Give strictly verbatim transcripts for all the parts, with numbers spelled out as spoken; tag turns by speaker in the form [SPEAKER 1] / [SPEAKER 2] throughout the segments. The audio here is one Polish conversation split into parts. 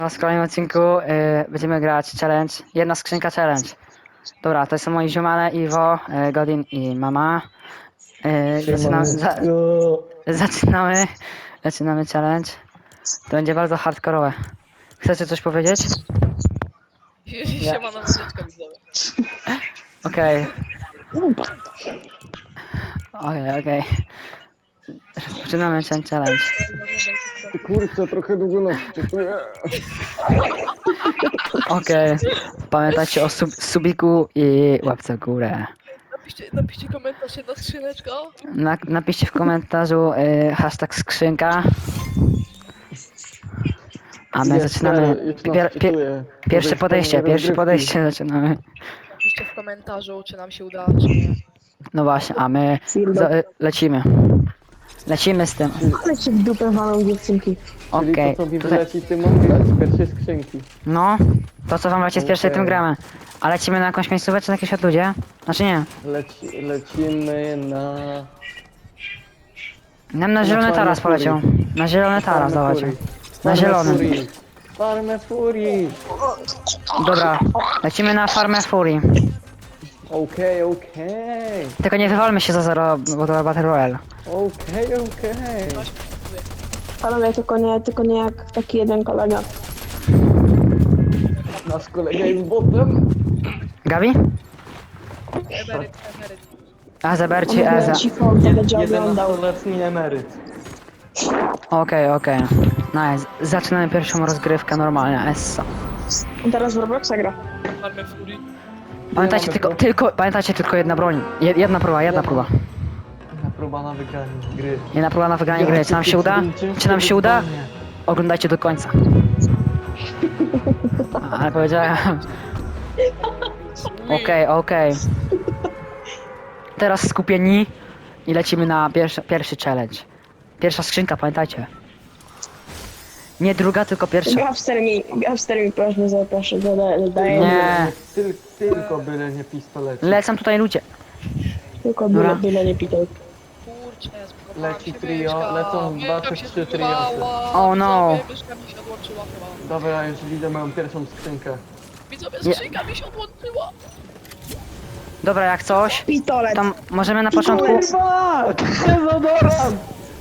[SPEAKER 1] W kolejnym odcinku y, będziemy grać challenge. Jedna skrzynka challenge. Dobra, to są moi ziomale, Iwo, y, Godin i mama. Y, zaczynamy, za,
[SPEAKER 2] Siemanko.
[SPEAKER 1] zaczynamy. Zaczynamy challenge. To będzie bardzo hardkorowe. Chcecie coś powiedzieć?
[SPEAKER 3] Siema na muzyczkę widzowie.
[SPEAKER 1] Okej. Okej, okej. Zaczynamy ten challenge.
[SPEAKER 2] Kurczę, trochę długo nas wczytuję.
[SPEAKER 1] Okej. Pamiętajcie o sub subiku i łapce w górę.
[SPEAKER 3] Napiszcie, napiszcie komentarz, jedna skrzyneczka.
[SPEAKER 1] Na, napiszcie w komentarzu y, hashtag skrzynka. A my zaczynamy.
[SPEAKER 2] Już nas
[SPEAKER 1] Pier, pier,
[SPEAKER 2] wczytuję.
[SPEAKER 1] pierwsze
[SPEAKER 2] Podejść
[SPEAKER 1] podejście,
[SPEAKER 2] pełnej
[SPEAKER 1] pierwsze
[SPEAKER 2] rozgrywki.
[SPEAKER 1] podejście zaczynamy.
[SPEAKER 3] Napiszcie w komentarzu, czy nam się uda, czy nie.
[SPEAKER 1] No właśnie, a my za, lecimy. Lecimy z tym.
[SPEAKER 4] Ale cię w dupę walą dziewczynki.
[SPEAKER 2] Czyli
[SPEAKER 1] Okej.
[SPEAKER 2] to co mi
[SPEAKER 1] Tutaj,
[SPEAKER 2] wyleci, ty mam grać z pierwszej skrzynki.
[SPEAKER 1] no, to co wam leci z pierwszej,
[SPEAKER 2] Okej.
[SPEAKER 1] tym gramy. A lecimy na jakąś miejscówkę, czy na jakieś odludzie? Znaczy nie.
[SPEAKER 2] Leci, lecimy na...
[SPEAKER 1] Nam na zielony
[SPEAKER 2] Farmę
[SPEAKER 1] taras
[SPEAKER 2] Fury.
[SPEAKER 1] poleciał. Na zielony taras,
[SPEAKER 2] Farmę
[SPEAKER 1] dawajcie.
[SPEAKER 2] Fury.
[SPEAKER 1] Na
[SPEAKER 2] Farmę
[SPEAKER 1] zielony.
[SPEAKER 2] Fury. Farmę Fury.
[SPEAKER 1] Dobra, lecimy na farmę Fury.
[SPEAKER 2] Okej, okej.
[SPEAKER 1] Tylko nie wywalmy się za zero, bo to Battle Royale.
[SPEAKER 2] Okej, okej.
[SPEAKER 4] Panowie, tylko nie, tylko nie jak taki jeden kolega.
[SPEAKER 2] Nasz kolega jest botem.
[SPEAKER 1] Gabi?
[SPEAKER 3] Emeryt, emeryt.
[SPEAKER 1] Azeber czy
[SPEAKER 4] On
[SPEAKER 1] Eza?
[SPEAKER 4] cicho, on to będzie oglądał.
[SPEAKER 2] jedenastoletni emeryt.
[SPEAKER 1] Okej, okej. Nice. Zaczynamy pierwszą rozgrywkę normalnie, Essa.
[SPEAKER 4] On teraz w Robloxa gra.
[SPEAKER 3] Farmę Fury.
[SPEAKER 1] Pamiętajcie
[SPEAKER 2] mamy
[SPEAKER 1] tylko,
[SPEAKER 2] pro-
[SPEAKER 1] tylko, pamiętajcie tylko jedna broń. Je- Jedna próba, jedna próba.
[SPEAKER 2] Jedna próba na wygranie gry.
[SPEAKER 1] Jedna próba na wygranie gry. Czy nam się uda? Czy nam się uda? Oglądajcie do końca. A, ale powiedziałem. Okej, okej. Teraz skupieni i lecimy na pierwszy, pierwszy challenge. Pierwsza skrzynka, pamiętajcie. Nie druga, tylko pierwsza.
[SPEAKER 4] Gafster mi, Gafster mi proszę zaproszę, dodaję, dodaję.
[SPEAKER 1] Nie.
[SPEAKER 2] Tyl, tylko byle nie pistolet.
[SPEAKER 1] Lecą tutaj ludzie.
[SPEAKER 4] Tylko
[SPEAKER 1] Dobra.
[SPEAKER 4] byle, byle nie pitał.
[SPEAKER 3] Kurczę, spokojnie.
[SPEAKER 2] Leci trio, lecą dwa czy trzy triosy.
[SPEAKER 1] Oh no.
[SPEAKER 3] Myszka mi się odłączyła chyba.
[SPEAKER 2] Dobra, już widzę moją pierwszą skrzynkę.
[SPEAKER 3] Widzowie,
[SPEAKER 1] Nie.
[SPEAKER 3] skrzynka mi się odłączyła.
[SPEAKER 1] Dobra, jak coś,
[SPEAKER 4] Pistolet!
[SPEAKER 1] to możemy na początku...
[SPEAKER 2] Fuck! Dezodorant!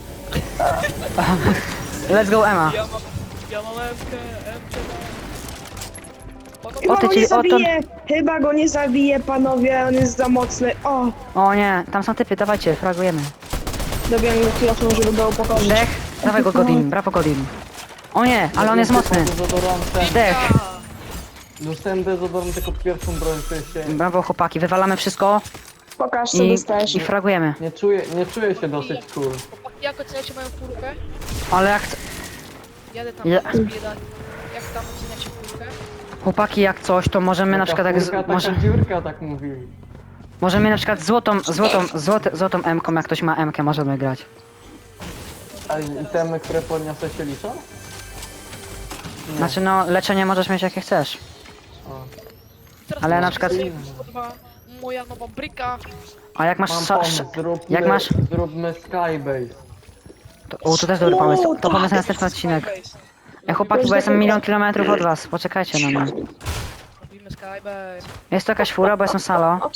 [SPEAKER 1] Let's go, Emma.
[SPEAKER 3] Ja mam, ja mam Emkę, Emkę mam.
[SPEAKER 4] Chyba
[SPEAKER 1] O, ty
[SPEAKER 4] go
[SPEAKER 1] ci-
[SPEAKER 4] nie
[SPEAKER 1] o, to-
[SPEAKER 4] zabije! Chyba go nie zabije, panowie, on jest za mocny. O!
[SPEAKER 1] O nie, tam są typy, dawajcie, fragujemy.
[SPEAKER 4] Dobiłem go kilofą, żeby go upokorzyć.
[SPEAKER 1] Dech, dawaj go Godin, brawo Godin. O nie, ale on jest mocny.
[SPEAKER 2] Dezodorantem.
[SPEAKER 1] Dech,
[SPEAKER 2] Dostałem dezodorant tylko pierwszą broń, to się...
[SPEAKER 1] brawo chłopaki, wywalamy wszystko
[SPEAKER 4] Pokaż, co
[SPEAKER 1] i,
[SPEAKER 4] dostajesz.
[SPEAKER 1] i fragujemy.
[SPEAKER 2] Nie czuję, nie czuję się dosyć cool.
[SPEAKER 3] Chłopaki, jak oceniacie moją furkę?
[SPEAKER 1] Ale jak...
[SPEAKER 3] Jadę tam,
[SPEAKER 1] Ja-
[SPEAKER 3] ja. zbieram. Jak tam oceniacie furkę?
[SPEAKER 1] Chłopaki, jak coś, to możemy na przykład tak... Z,
[SPEAKER 2] Taka
[SPEAKER 1] może,
[SPEAKER 2] dziurka, tak mówili.
[SPEAKER 1] możemy na przykład złotą, złotą, złote, złotą M-ką, jak ktoś ma M-kę, możemy grać.
[SPEAKER 2] A itemy, które podniosę się liczą? Nie.
[SPEAKER 1] Znaczy no, leczenie możesz mieć jakie chcesz.
[SPEAKER 2] O.
[SPEAKER 3] Teraz
[SPEAKER 1] Ale na
[SPEAKER 3] możecie
[SPEAKER 1] przykład-
[SPEAKER 3] sobie, kurwa, moja nowa bryka.
[SPEAKER 1] A jak masz...
[SPEAKER 2] Mam
[SPEAKER 1] Sa,
[SPEAKER 2] pomysł,
[SPEAKER 1] sz,
[SPEAKER 2] zróbmy,
[SPEAKER 1] jak masz...
[SPEAKER 2] zróbmy skybase.
[SPEAKER 1] To, o, to też dobry pomysł, to
[SPEAKER 4] tak.
[SPEAKER 1] pomysł na następny odcinek. Ej chłopaki, bo jestem milion kilometrów od was, poczekajcie na mnie.
[SPEAKER 3] Robimy Skybase.
[SPEAKER 1] Jest to jakaś fura, bo jestem salo.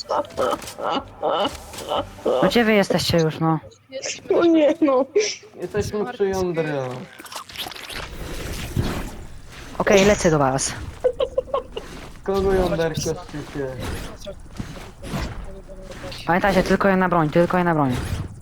[SPEAKER 1] No gdzie wy jesteście już, no?
[SPEAKER 3] Jesteśmy
[SPEAKER 4] O nie, no.
[SPEAKER 2] Jesteśmy przy jądrze.
[SPEAKER 1] Okej, lecę do was.
[SPEAKER 2] Kogo jąderko szczycie?
[SPEAKER 1] Pamiętajcie, tylko jedna broń, tylko jedna broń.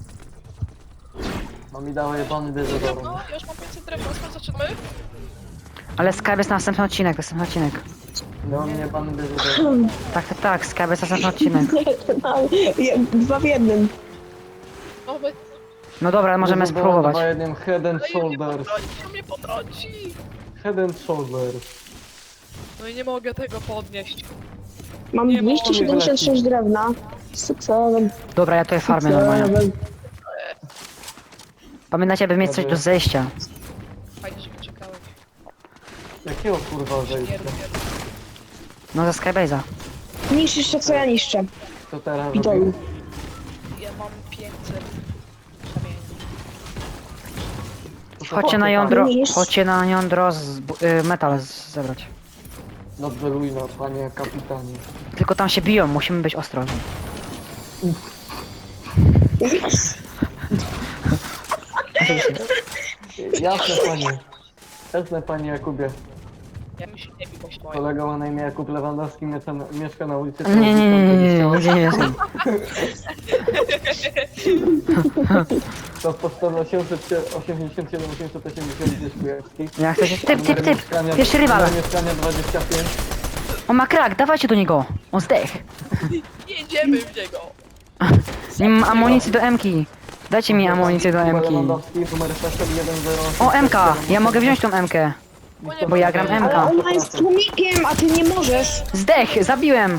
[SPEAKER 2] No mi dało jebany dezodorant.
[SPEAKER 3] No, ja już mam pięćset drewna, skąd zaczynamy?
[SPEAKER 1] Ale Skype jest na następny odcinek, następny odcinek.
[SPEAKER 2] Dał mi jebany dezodorant.
[SPEAKER 1] Tak, tak, tak, Skype jest następny odcinek.
[SPEAKER 4] Nie, to tam, je- dwa w jednym.
[SPEAKER 3] No, wy...
[SPEAKER 1] No dobra, możemy
[SPEAKER 2] Dezodorant
[SPEAKER 1] spróbować.
[SPEAKER 2] ma jednym head and
[SPEAKER 3] No i mnie
[SPEAKER 2] shoulders.
[SPEAKER 3] potrąci, no mnie potrąci.
[SPEAKER 2] Head and shoulders.
[SPEAKER 3] No i nie mogę tego podnieść.
[SPEAKER 4] Mam
[SPEAKER 3] Nie
[SPEAKER 4] dwieście siedemdziesiąt sześć drewna. Sukcesem.
[SPEAKER 1] Dobra, ja tutaj farmię normalnie. Pamiętajcie, by mieć coś do zejścia.
[SPEAKER 3] Fajnie, że wyczekałeś.
[SPEAKER 2] Jakiego kurwa
[SPEAKER 3] Nie
[SPEAKER 2] zejścia?
[SPEAKER 3] rób, nie rób.
[SPEAKER 1] No za Skybase'a.
[SPEAKER 4] Niszczysz to, co ja niszczę.
[SPEAKER 2] Co teraz
[SPEAKER 4] Pitolu.
[SPEAKER 2] robił?
[SPEAKER 3] Ja mam pięćset kamieni.
[SPEAKER 1] chodźcie na jądro,
[SPEAKER 4] Niż.
[SPEAKER 1] chodźcie na jądro z, y, metal z, zebrać.
[SPEAKER 2] Dobrze, Luino, panie kapitanie.
[SPEAKER 1] Tylko tam się biją, musimy być ostrożni.
[SPEAKER 2] Jasne, panie. Jasne, panie Jakubie.
[SPEAKER 3] Ja mi się nie bił, boś moje.
[SPEAKER 2] Kolega ma na imię Jakub Lewandowski, mieszka na, mieszka na ulicy...
[SPEAKER 1] Nie, nie, nie, nie, nie, nie, gdzie nie jestem.
[SPEAKER 2] To podstawa osiemset osiemdziesiąt siedem osiemset osiemdziesiąt gdzieś Kujawski.
[SPEAKER 1] Ja chcę się... Typ, typ, typ!
[SPEAKER 2] Mieszkania-
[SPEAKER 1] Pierwszy rywal!
[SPEAKER 2] numer mieszkania dwadzieścia pięć.
[SPEAKER 1] On ma krak, dawajcie do niego! On zdech!
[SPEAKER 3] Jedziemy w niego.
[SPEAKER 1] Nie mam amunicji do M-ki! Dajcie mi amunicję do
[SPEAKER 2] Jakub
[SPEAKER 1] M-ki.
[SPEAKER 2] Lewandowski, numer PESEL jeden zero osiem.
[SPEAKER 1] O, M-ka! Ja mogę wziąć tą M-kę. Bo ja gram
[SPEAKER 4] Ale
[SPEAKER 1] M-ka.
[SPEAKER 4] ona jest tłumikiem, a ty nie możesz.
[SPEAKER 1] Zdech! Zabiłem!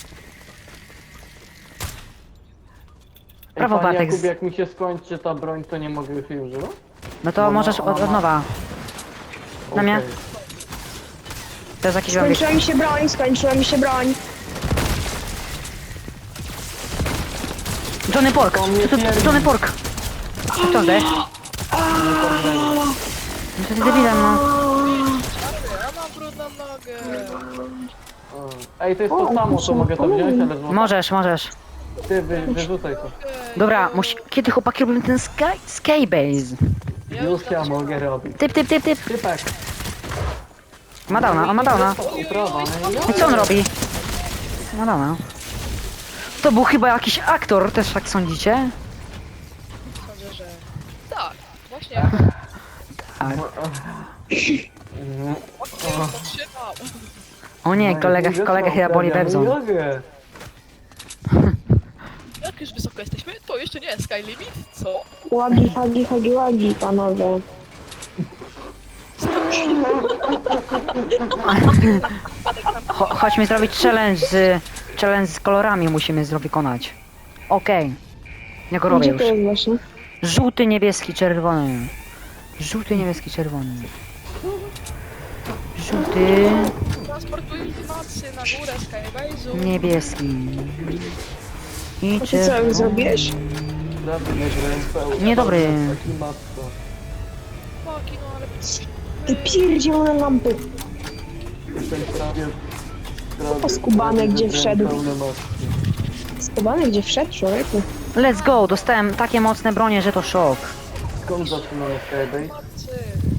[SPEAKER 1] Brawo,
[SPEAKER 2] Ej, panie
[SPEAKER 1] Bartek.
[SPEAKER 2] Jakubie, jak mi się skończy ta broń, to nie mogę już jej używać?
[SPEAKER 1] No to
[SPEAKER 2] No,
[SPEAKER 1] możesz
[SPEAKER 2] no,
[SPEAKER 1] od,
[SPEAKER 2] no.
[SPEAKER 1] od nowa. Na mnie?
[SPEAKER 2] Okej.
[SPEAKER 1] To jest jakiś zombie.
[SPEAKER 4] Skończyła mi się broń, skończyła mi się broń.
[SPEAKER 1] Johnny Pork!
[SPEAKER 2] To mnie
[SPEAKER 1] Tu, tu,
[SPEAKER 2] pierdzi.
[SPEAKER 1] Johnny Pork! Kto zdech? No to ty debilem, no.
[SPEAKER 3] Ja mam brudną nogę.
[SPEAKER 2] O. Ej, to jest to samo, to mogę to wziąć, ale zło-
[SPEAKER 1] Możesz, możesz.
[SPEAKER 2] ty wy, wyrzucaj to.
[SPEAKER 1] Dobra, musi... kiedy chłopaki robią ten sky... skybase?
[SPEAKER 3] Ja
[SPEAKER 2] Już ja mogę robić.
[SPEAKER 1] Typ, typ, typ, typ!
[SPEAKER 2] Typek.
[SPEAKER 1] Ma downa, on ma downa.
[SPEAKER 2] Uprawa, no
[SPEAKER 1] I co on robi? Ma downa. To był chyba jakiś aktor, też tak sądzicie?
[SPEAKER 3] Sądzę, że... Tak, właśnie.
[SPEAKER 1] Tak.
[SPEAKER 2] Mhm.
[SPEAKER 3] Zatrzymał.
[SPEAKER 1] O nie, kolega, kolega chyba boli Webzon.
[SPEAKER 2] Jogę.
[SPEAKER 3] Jak już wysoko jesteśmy, to jeszcze nie Sky Limit, co?
[SPEAKER 4] Łagi, hagi, hagi, łagi, panowie.
[SPEAKER 1] Cho chodźmy zrobić challenge z... challenge z kolorami musimy zrobić wykonać. Okej. Ja go robię
[SPEAKER 4] Gdzie
[SPEAKER 1] już.
[SPEAKER 4] to jest właśnie?
[SPEAKER 1] Żółty, niebieski, czerwony. Żółty, niebieski, czerwony. Żółty,
[SPEAKER 3] Transportuj informacje na górę Skybase'u.
[SPEAKER 1] niebieski. I
[SPEAKER 4] A ty co już
[SPEAKER 1] czerwony.
[SPEAKER 4] zrobiłeś?
[SPEAKER 2] Dobry, nie grałem pełny.
[SPEAKER 1] Niedobry.
[SPEAKER 2] Taki matko.
[SPEAKER 3] Chłopaki, no ale...
[SPEAKER 4] Ty pierdzielone lampy.
[SPEAKER 2] Jestem prawie... prawie-
[SPEAKER 4] Poskubany,
[SPEAKER 2] prawie
[SPEAKER 4] gdzie
[SPEAKER 2] wybrałem
[SPEAKER 4] wszedł.
[SPEAKER 2] pełne matki.
[SPEAKER 4] Skubany gdzie wszedł, człowieku?
[SPEAKER 1] Let's go, dostałem takie mocne bronie, że to szok.
[SPEAKER 2] Skąd zaczynamy Skybase?
[SPEAKER 3] Chłopcy,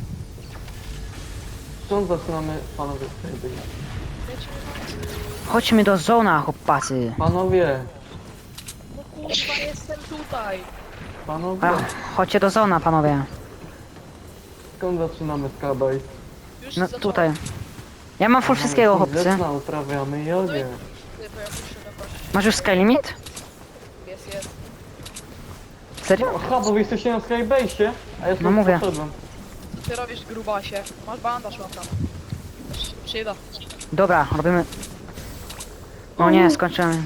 [SPEAKER 2] Skąd zaczynamy, panowie, Skybase?
[SPEAKER 3] lecimy na...
[SPEAKER 1] Chodźmy do zona, chłopacy.
[SPEAKER 2] Panowie,
[SPEAKER 3] No kurwa, jestem tutaj.
[SPEAKER 2] panowie,
[SPEAKER 1] A, chodźcie do zona, panowie.
[SPEAKER 2] skąd zaczynamy Skybase?
[SPEAKER 3] Już
[SPEAKER 1] No
[SPEAKER 3] zacząłem.
[SPEAKER 1] tutaj. Ja mam full wszystkiego, chłopcy.
[SPEAKER 2] Grzeczna, uprawiamy jogę.
[SPEAKER 3] Ty, bo ja muszę dokończyć.
[SPEAKER 1] Masz już sky limit?
[SPEAKER 3] Jest, jest.
[SPEAKER 1] Serio?
[SPEAKER 2] Aha, bo wy jesteście na Skybase'ie, a ja
[SPEAKER 1] No
[SPEAKER 2] stąd
[SPEAKER 1] mówię.
[SPEAKER 2] poszedłem.
[SPEAKER 3] Co ty robisz, grubasie? Masz bandaż, mam tam. Też się przyda.
[SPEAKER 1] Dobra, robimy... O nie, skończyłem.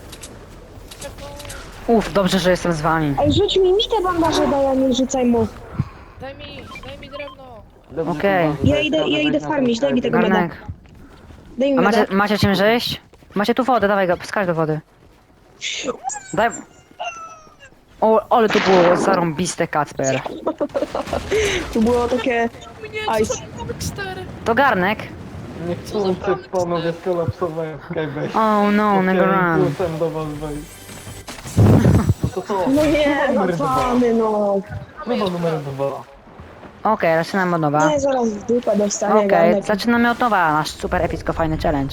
[SPEAKER 1] Uff, dobrze, że jestem z wami.
[SPEAKER 4] Ej, rzuć mi mi te bandaże, daj, a nie rzucaj mu.
[SPEAKER 3] Daj mi, daj mi drewno.
[SPEAKER 2] Dobrze,
[SPEAKER 1] Okej.
[SPEAKER 2] kurwa, że
[SPEAKER 4] Ja idę-
[SPEAKER 2] dajcie
[SPEAKER 4] ja
[SPEAKER 2] radę
[SPEAKER 4] idę
[SPEAKER 2] wejść na
[SPEAKER 4] farmić, daj mi
[SPEAKER 2] ten
[SPEAKER 4] tego
[SPEAKER 2] Skybase.
[SPEAKER 1] Garnek.
[SPEAKER 4] Daj mi
[SPEAKER 1] A macie,
[SPEAKER 4] meda.
[SPEAKER 1] macie czym zejść? Macie tu wodę, dawaj go, skacz do wody. Daj... O, ale to było zarąbiste, Kacper.
[SPEAKER 4] Tu było takie...
[SPEAKER 3] Mnie,
[SPEAKER 4] Ice.
[SPEAKER 3] co za Dexter?
[SPEAKER 1] To garnek.
[SPEAKER 2] Niechcący panowie skolapsowałem w Skybase'ie.
[SPEAKER 1] Oh no, never
[SPEAKER 2] Chciałem
[SPEAKER 1] run.
[SPEAKER 2] plusem do was wejść. No to co?
[SPEAKER 4] No nie, no
[SPEAKER 2] Numer dwa.
[SPEAKER 4] pany, no.
[SPEAKER 2] Chyba numer dwa.
[SPEAKER 1] Okej, zaczynamy od nowa.
[SPEAKER 4] Nie, zaraz w dupę dostanie
[SPEAKER 1] Okej,
[SPEAKER 4] garnek.
[SPEAKER 1] zaczynamy od nowa, nasz super epicko fajny challenge.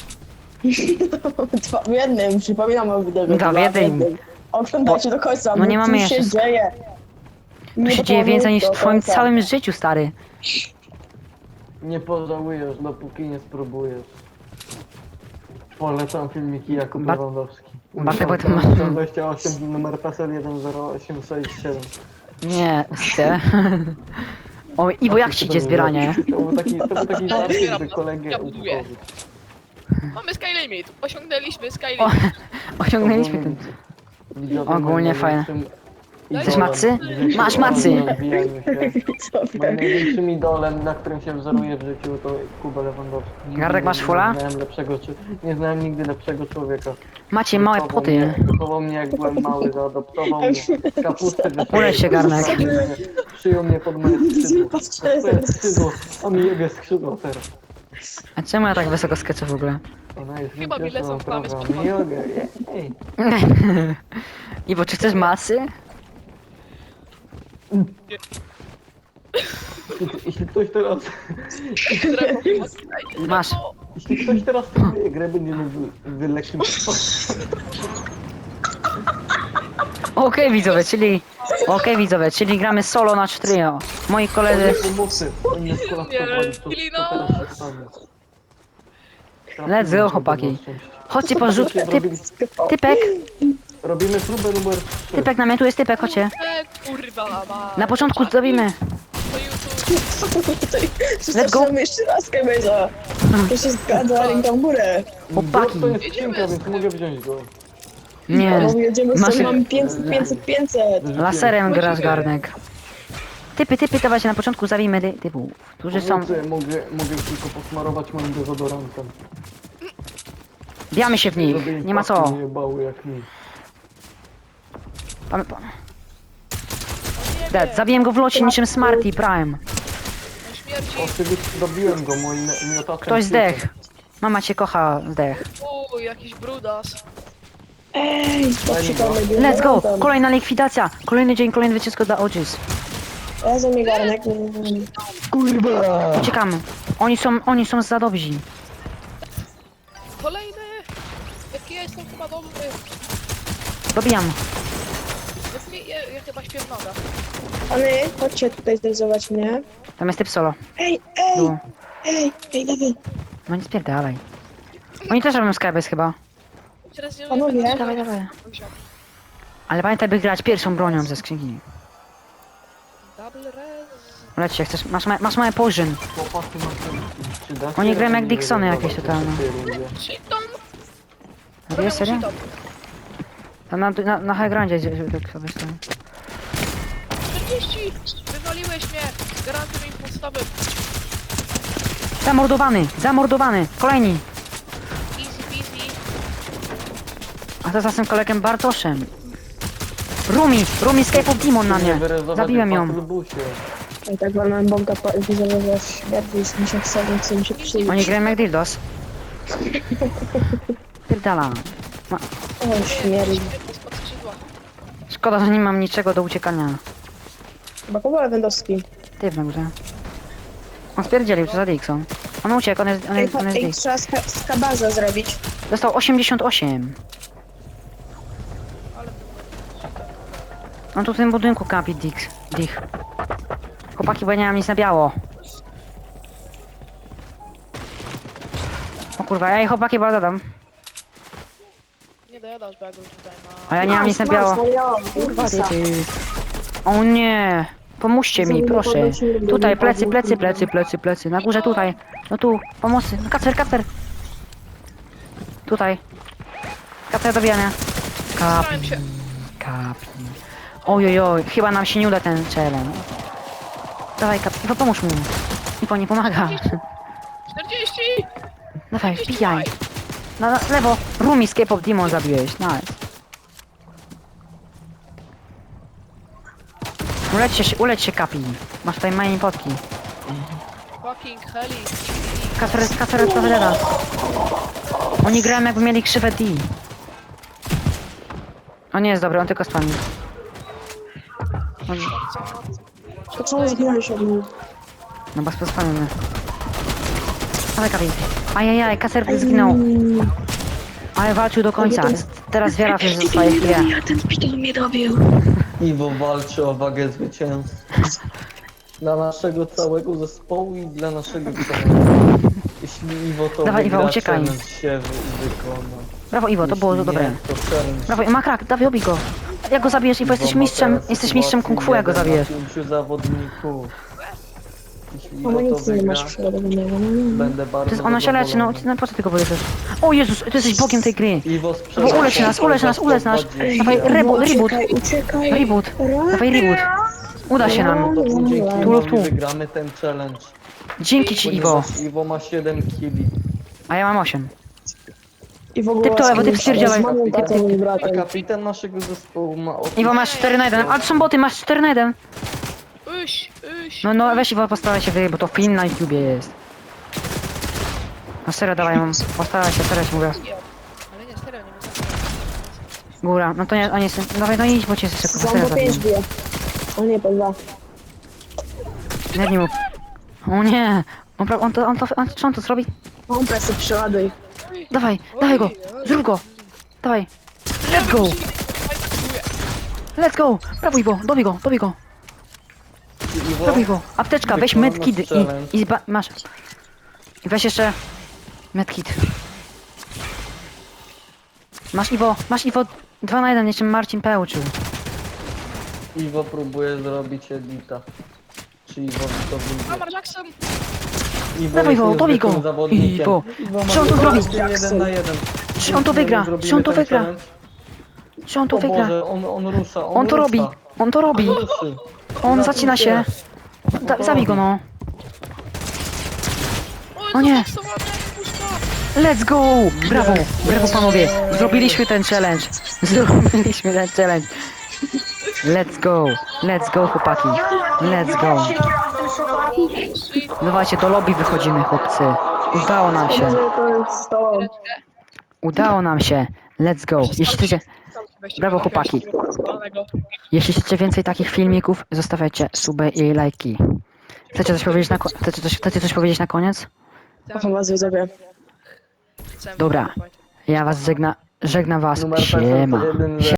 [SPEAKER 4] Dwa w jednym, przypominam o wideo.
[SPEAKER 1] Dwa w jednym.
[SPEAKER 4] Oglądajcie do końca,
[SPEAKER 1] No
[SPEAKER 4] bo
[SPEAKER 1] nie mamy
[SPEAKER 4] tu się
[SPEAKER 1] jeszcze-
[SPEAKER 4] dzieje.
[SPEAKER 1] To
[SPEAKER 4] Nie
[SPEAKER 1] się dzieje więcej niż w
[SPEAKER 4] do
[SPEAKER 1] twoim
[SPEAKER 4] końca.
[SPEAKER 1] całym życiu, stary.
[SPEAKER 2] Nie pożałujesz, dopóki nie spróbujesz. Polecam filmiki Jakub
[SPEAKER 1] Bar-
[SPEAKER 2] Lewandowski.
[SPEAKER 1] Bartek, bo ty ma-
[SPEAKER 2] dwadzieścia osiem, numer PESEL jeden zero osiem sześć siedem.
[SPEAKER 1] Nie, chcę. O, Iwo, jak ci idzie zbieranie?
[SPEAKER 2] To był taki, to był taki żart,
[SPEAKER 3] Zbieram,
[SPEAKER 2] żeby kolegę
[SPEAKER 3] ja buduję.
[SPEAKER 2] upokorzyć.
[SPEAKER 3] Mamy Sky Limit. Osiągnęliśmy Sky
[SPEAKER 1] O,
[SPEAKER 3] Limit.
[SPEAKER 1] osiągnęliśmy ten...
[SPEAKER 2] Widzowie,
[SPEAKER 1] Ogólnie
[SPEAKER 2] moim
[SPEAKER 1] fajne.
[SPEAKER 2] największym-
[SPEAKER 1] Chcesz macy? Masz macy!
[SPEAKER 2] Rozwijajmy się. Moim największym idolem, na którym się wzoruję w życiu, to Kuba Lewandowski. Nigdy
[SPEAKER 1] Gardek,
[SPEAKER 2] nie-
[SPEAKER 1] masz fula?
[SPEAKER 2] Nie znałem lepszego, czy- nie znałem nigdy lepszego człowieka.
[SPEAKER 1] Macie małe
[SPEAKER 2] Wychował
[SPEAKER 1] poty.
[SPEAKER 2] mnie- Wychował mnie jak byłem mały, zaadoptował mnie. Kapustę wysłał.
[SPEAKER 1] Uleć się, Garnek.
[SPEAKER 2] Przyjął mnie pod moje skrzydło.
[SPEAKER 4] Patrzę,
[SPEAKER 2] Twoje skrzydło, a mi jebie skrzydło teraz.
[SPEAKER 1] A czemu ja tak wysoko skeczę w ogóle?
[SPEAKER 2] Ona jest
[SPEAKER 3] Chyba mi lecą
[SPEAKER 2] wypieszona
[SPEAKER 3] plamy z
[SPEAKER 2] prawa.
[SPEAKER 3] przodu.
[SPEAKER 2] Jogę, ej.
[SPEAKER 1] Iwo, czy chcesz masy?
[SPEAKER 2] Jeśli- Jeśli ktoś teraz...
[SPEAKER 1] Masz.
[SPEAKER 2] Jeśli ktoś teraz tę grę będzie mógł wyleczyć...
[SPEAKER 1] Okej widzowie, czyli... Okej widzowie, czyli gramy solo na trio. Moi koledzy...
[SPEAKER 2] Pomocy! Oni skolapsowali, to, to
[SPEAKER 3] Kilino!
[SPEAKER 2] teraz się stanie.
[SPEAKER 1] Let's go, chłopaki. Chodźcie po rzut. Typ,
[SPEAKER 2] Robili-
[SPEAKER 1] typek,
[SPEAKER 2] Robimy próbę numer trzy.
[SPEAKER 1] typek na mnie, tu jest typek, chodźcie.
[SPEAKER 3] E, kurwa, ma.
[SPEAKER 1] Na początku zrobimy.
[SPEAKER 3] To YouTube.
[SPEAKER 1] Let's go.
[SPEAKER 4] Zaczynamy jeszcze raz Kemeza. To się zgadza, ręka w górę.
[SPEAKER 1] Chłopaki.
[SPEAKER 2] To jest skrzynka, więc mogę wziąć go.
[SPEAKER 1] Nie.
[SPEAKER 4] No jedziemy
[SPEAKER 1] Masz-
[SPEAKER 4] sobie, mamy pięćset, pięćset, pięćset.
[SPEAKER 1] Laserem grasz, Garnek. Typy, typy, dawajcie na początku zabijmy ty, typów, którzy są...
[SPEAKER 2] Pomocy, mogę, mogę tylko posmarować moim dezodorantem.
[SPEAKER 1] Bijamy się w nich,
[SPEAKER 2] Żeby im
[SPEAKER 1] nie ma
[SPEAKER 2] pachły
[SPEAKER 1] co.
[SPEAKER 2] nie jebały jak mi.
[SPEAKER 1] Pan, pan. Dead, zabiłem go w locie niczym Smarty Prime.
[SPEAKER 3] Na śmierci.
[SPEAKER 2] Oczywiście dobiłem go moim miotaczem.
[SPEAKER 1] Ktoś zdech. Mama cię kocha, zdech.
[SPEAKER 3] Uuu, jakiś brudas.
[SPEAKER 4] Ej, poszukamy
[SPEAKER 1] Let's go! Kolejna likwidacja! Kolejny dzień, kolejne wycieczko dla Odys.
[SPEAKER 4] Ja za mnie garnek.
[SPEAKER 2] Kurwa!
[SPEAKER 1] Uciekamy. Oni są, oni są za dobrzy.
[SPEAKER 3] Kolejny. Jaki ja jestem chyba dobry.
[SPEAKER 1] Dobijam.
[SPEAKER 3] Jaki ja, ja chyba śpię w nogach.
[SPEAKER 4] Pany, chodźcie tutaj zrealizować mnie.
[SPEAKER 1] Tam jest typ solo.
[SPEAKER 4] Ej, ej,
[SPEAKER 1] Tu.
[SPEAKER 4] ej, ej, Dawid.
[SPEAKER 1] No nie spierdalaj. Oni też robią Skybase chyba.
[SPEAKER 3] Teraz nie
[SPEAKER 4] Panowie.
[SPEAKER 3] będę
[SPEAKER 1] Dawaj, dawaj.
[SPEAKER 3] wziął.
[SPEAKER 1] Ale pamiętaj, by grać pierwszą bronią ze skrzynki.
[SPEAKER 3] Double res.
[SPEAKER 1] Leć się, chcesz, masz, ma- masz małe poison.
[SPEAKER 2] Chłopacy macie... czy dacie
[SPEAKER 1] Oni grają jak
[SPEAKER 2] radę
[SPEAKER 1] Dixony
[SPEAKER 2] nie
[SPEAKER 1] jakieś
[SPEAKER 2] wydawać
[SPEAKER 1] totalne.
[SPEAKER 2] się w tej rundzie?
[SPEAKER 3] Cheaton.
[SPEAKER 1] Wiesz, serio? Tam na, na, na high groundzie gdzie- gdzie tak sobie stoi.
[SPEAKER 3] czterdzieści. Wywaliłeś mnie. Garantuję im podstawy.
[SPEAKER 1] Zamordowany! Zamordowany! Kolejni!
[SPEAKER 3] Easy peasy.
[SPEAKER 1] A to za tym kolegiem Bartoszem. Rumi! Rumi Escape of Demon na mnie!
[SPEAKER 2] Wyrezować
[SPEAKER 1] Zabiłem
[SPEAKER 2] w
[SPEAKER 1] ją.
[SPEAKER 2] Battlebusie.
[SPEAKER 4] Ej, tak walnąłem bąka po wizowe śmierci, jest mi się chce, więc mi się przyjdzie.
[SPEAKER 1] Oni grają jak dildos. Pierdala. Ma,
[SPEAKER 4] O, śmierdzi.
[SPEAKER 3] Spod skrzydła.
[SPEAKER 1] szkoda, że nie mam niczego do uciekania.
[SPEAKER 4] Chyba Kuba Lewandowski.
[SPEAKER 1] Ty w górze. On spierdzielił, co za Dixon. On uciekł, on jest, on
[SPEAKER 4] Ej,
[SPEAKER 1] jest, on jest
[SPEAKER 4] ej
[SPEAKER 1] Dix.
[SPEAKER 4] trzeba ska skabaza zrobić.
[SPEAKER 1] Dostał osiemdziesiąt osiem. On tu w tym budynku kapi Dix. Dich. Chłopaki, bo ja nie mam nic na biało. O kurwa, ja jej chłopaki bardzo dam.
[SPEAKER 3] Nie dojadasz, bo ja go tutaj ma.
[SPEAKER 1] A ja nie mam nic na biało. Kurwa, ty, ty. O nie! Pomóżcie mi, proszę. Tutaj, plecy, plecy, plecy, plecy, plecy. Na górze, tutaj. No tu, pomocy. No, Kacper, Kacper. Tutaj. Kacper dobijania.
[SPEAKER 3] Starałem
[SPEAKER 1] Kapi,
[SPEAKER 3] się.
[SPEAKER 1] kapi. Ojojoj, chyba nam się nie uda ten challenge. Dawaj, Kap, Iwo, pomóż mu. Iwo, nie pomaga.
[SPEAKER 3] czterdzieści.
[SPEAKER 1] Dawaj, wbijaj. Na, na lewo. Rumi Escape of Demon zabiłeś, nice. Uleć się, uleć się, Kapi. Masz tutaj mini potki.
[SPEAKER 3] Fucking heli.
[SPEAKER 1] Kasper, Kasper, Kasper, Oni grają jakby mieli krzywę D. On nie jest dobry, on tylko spami. On...
[SPEAKER 4] To czemu zginąłeś od mnie?
[SPEAKER 1] No bo spamimy. Ale Kapi. Ajajaj, Kasper zginął. Ale walczył do końca. Teraz wiara w swoje chwile.
[SPEAKER 4] Ja ten szpital mnie dobił.
[SPEAKER 2] Iwo walczy o wagę zwycięstwa. Dla naszego całego zespołu i dla naszego kanału. Jeśli Iwo to
[SPEAKER 1] Dawaj,
[SPEAKER 2] wygra,
[SPEAKER 1] Iwo, uciekaj.
[SPEAKER 2] challenge się wy- wykona.
[SPEAKER 1] Brawo Iwo, to było
[SPEAKER 2] Jeśli
[SPEAKER 1] dobre.
[SPEAKER 2] nie, to challenge
[SPEAKER 1] Brawo, ma krak, dawaj, obij go. Jak go zabijesz, Iwo, jesteś
[SPEAKER 2] Iwo ma
[SPEAKER 1] mistrzem,
[SPEAKER 2] teraz
[SPEAKER 1] jesteś mistrzem
[SPEAKER 2] sytuację
[SPEAKER 1] kung fu, jak go
[SPEAKER 2] jeden na
[SPEAKER 1] zabijesz.
[SPEAKER 2] pięciu zawodników. Jeśli Iwo to
[SPEAKER 4] Amunicji nie
[SPEAKER 2] wygra,
[SPEAKER 4] masz przygotowanego. No, no.
[SPEAKER 2] będę bardzo
[SPEAKER 1] To jest, ona się leczy, no,
[SPEAKER 2] zadowolony.
[SPEAKER 1] no po co ty go powiesz? O Jezus, ty jesteś bogiem tej gry.
[SPEAKER 2] Iwo
[SPEAKER 1] Bo
[SPEAKER 2] sprzedał
[SPEAKER 1] ulecz nas, ulecz nas, ulecz nas.
[SPEAKER 2] dwadzieścia.
[SPEAKER 1] Dawaj, reboot, reboot,
[SPEAKER 4] Uciekaj, uciekaj.
[SPEAKER 1] reboot. Dawaj reboot. Uda się nam.
[SPEAKER 2] To dzięki
[SPEAKER 1] Tu lub
[SPEAKER 2] Iwowi
[SPEAKER 1] tu.
[SPEAKER 2] wygramy ten challenge.
[SPEAKER 1] Dzięki ci, Iwo.
[SPEAKER 2] Ponieważ Iwo ma siedem killi.
[SPEAKER 1] A ja mam osiem.
[SPEAKER 4] I w ogóle
[SPEAKER 1] Typ to, bo ty
[SPEAKER 4] z
[SPEAKER 1] wpierdzielaj.
[SPEAKER 4] mamą, tatą i
[SPEAKER 2] A
[SPEAKER 4] bratem.
[SPEAKER 2] kapitan naszego zespołu ma opis...
[SPEAKER 1] Iwo, masz cztery na jeden. A to są boty, masz cztery na jeden.
[SPEAKER 3] Uś, uś.
[SPEAKER 1] No, no, weź Iwo, postaraj się wyjść, bo to film na YouTubie jest. No serio, dawaj, mam. Postaraj się, serio ci mówię.
[SPEAKER 3] Ale nie, serio, nie mogę.
[SPEAKER 1] Góra, no to nie, a nie, dawaj, no idź, bo cię jeszcze kurwa,
[SPEAKER 4] Sam
[SPEAKER 1] serio
[SPEAKER 4] po pięć
[SPEAKER 1] zabiję.
[SPEAKER 4] bije. O nie, po dwa.
[SPEAKER 1] Nie, nie mów. O nie. On, pra- on to, on to, on, czy on to zrobi?
[SPEAKER 4] Pompę sobie przeładuj.
[SPEAKER 1] Dawaj, dawaj go, zrób go. Dawaj. Let's go, let's go. Prawo Iwo, dobij go, dobij go.
[SPEAKER 2] Iwo,
[SPEAKER 1] Dobij go. Apteczka, weź
[SPEAKER 2] wykonał
[SPEAKER 1] medkit
[SPEAKER 2] nasz
[SPEAKER 1] i,
[SPEAKER 2] challenge.
[SPEAKER 1] i zba- masz. I weź jeszcze medkit. Masz Iwo, masz Iwo dwa na jeden, jeszcze Marcin P uczył.
[SPEAKER 2] Iwo próbuje zrobić edita. Czy Iwo to wyjdzie?
[SPEAKER 3] Lamar Jackson!
[SPEAKER 2] Iwo
[SPEAKER 1] Dawaj
[SPEAKER 2] jest
[SPEAKER 1] go, dobij go.
[SPEAKER 2] niezwykłym zawodnikiem.
[SPEAKER 1] Iwo.
[SPEAKER 2] Iwo ma
[SPEAKER 1] Czy on to zrobi?
[SPEAKER 2] jeden na jeden.
[SPEAKER 1] Czy on to wygra?
[SPEAKER 2] Zrobimy
[SPEAKER 1] Czy on to
[SPEAKER 2] ten
[SPEAKER 1] wygra?
[SPEAKER 2] challenge.
[SPEAKER 1] Czy on to
[SPEAKER 2] O
[SPEAKER 1] wygra?
[SPEAKER 2] Boże, on, on rusza, on,
[SPEAKER 1] On to
[SPEAKER 2] rusza.
[SPEAKER 1] robi, on to robi.
[SPEAKER 2] On ruszy.
[SPEAKER 1] On zacina się. Da, zabij go no. O nie. Let's go! Brawo! Brawo panowie! Zrobiliśmy ten challenge! Zrobiliśmy ten challenge! Let's go! Let's go chłopaki! Let's go! Dawajcie, do lobby wychodzimy chłopcy! Udało nam się!
[SPEAKER 4] To jest to.
[SPEAKER 1] Udało nam się! Let's go! Jeśli chcecie, Brawo, chłopaki. jeśli chcecie więcej takich filmików, zostawiajcie suby i lajki. Chcecie coś powiedzieć na, ko- chcecie coś, chcecie coś powiedzieć na koniec?
[SPEAKER 4] Kocham was widzowie.
[SPEAKER 1] Dobra. Ja was żegna, żegnam was.
[SPEAKER 2] Numer
[SPEAKER 1] Siema.
[SPEAKER 2] jeden